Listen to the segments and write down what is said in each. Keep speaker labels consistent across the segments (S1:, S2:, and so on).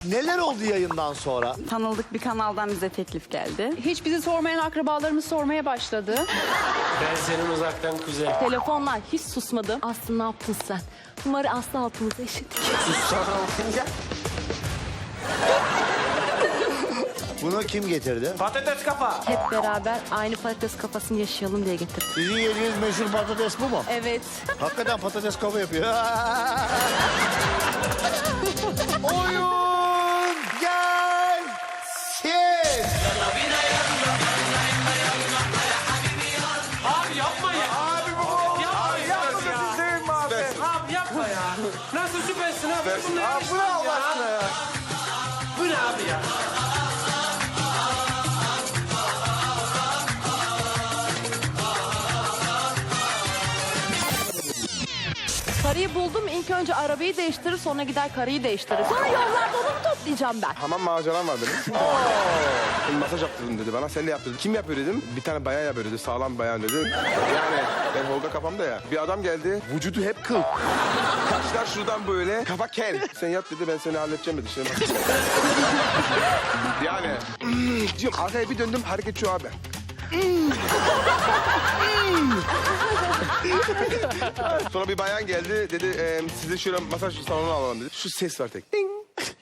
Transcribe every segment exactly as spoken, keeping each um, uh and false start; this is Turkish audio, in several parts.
S1: Neler oldu yayından sonra?
S2: Tanıldık bir kanaldan bize teklif geldi.
S3: Hiç bizi sormayan akrabalarımız sormaya başladı.
S4: Ben senin uzaktan kuzen.
S5: Telefonlar hiç susmadı. Aslı ne yaptın sen? Umarı Aslı altımıza eşittik.
S1: Bunu kim getirdi?
S4: Patates kafa.
S5: Hep beraber aynı patates kafasını yaşayalım diye getirdim.
S1: Sizin yediğiniz meşhur patates bu mu?
S5: Evet.
S1: Hakikaten patates kafa yapıyor. Oyun gelsin.
S4: Abi yapma ya. Abi bu. Yapma ya.
S6: Yapma abi.
S4: Abi yapma ya. Nasıl süpersin abi? Bunlar
S6: Abi bu ne Allah aşkına ya?
S4: Bu ne abi ya?
S5: Karıyı buldum. İlk önce arabayı değiştirir, sonra gider karıyı değiştirir. Sonra yollarda onu mu toplayacağım ben?
S6: Hamam maceram var benim. Şimdi masaj yaptırdım dedi bana. Sen de yap dedi. Kim yapıyor dedim. Bir tane bayan yapıyor dedi. Sağlam bayan dedi. Yani ben Holga kafamda ya. Bir adam geldi. Vücudu hep kıl. Kaşlar şuradan böyle. Kafa kel. Sen yap dedi. Ben seni halledeceğim dedi. Şimdi bak. Yani. mm, diyorum. Arkaya bir döndüm. Hareket şu abi. Sonra bir bayan geldi. Dedi e, sizi şöyle masaj salonuna alalım dedi. Şu ses var tek. Ding.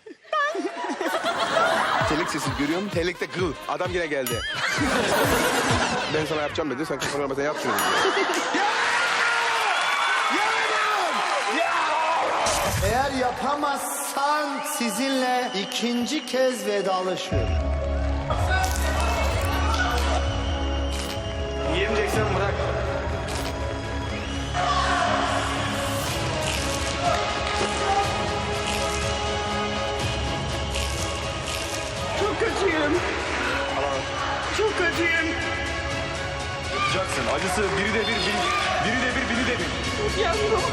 S6: Telik sesi görüyorum. Telikte kıl. Adam yine geldi. Ben sana yapacağım dedi. Sen kafana sen yap şunu dedi.
S1: Eğer yapamazsan sizinle ikinci kez vedalaşıyorum.
S4: Yiyemeyeceksen bırak.
S6: Çok acıyım. Çok acıyım.
S7: Yapacaksın. Acısı biri de bir, biri, biri de bir, biri de bir.
S6: Yavrum.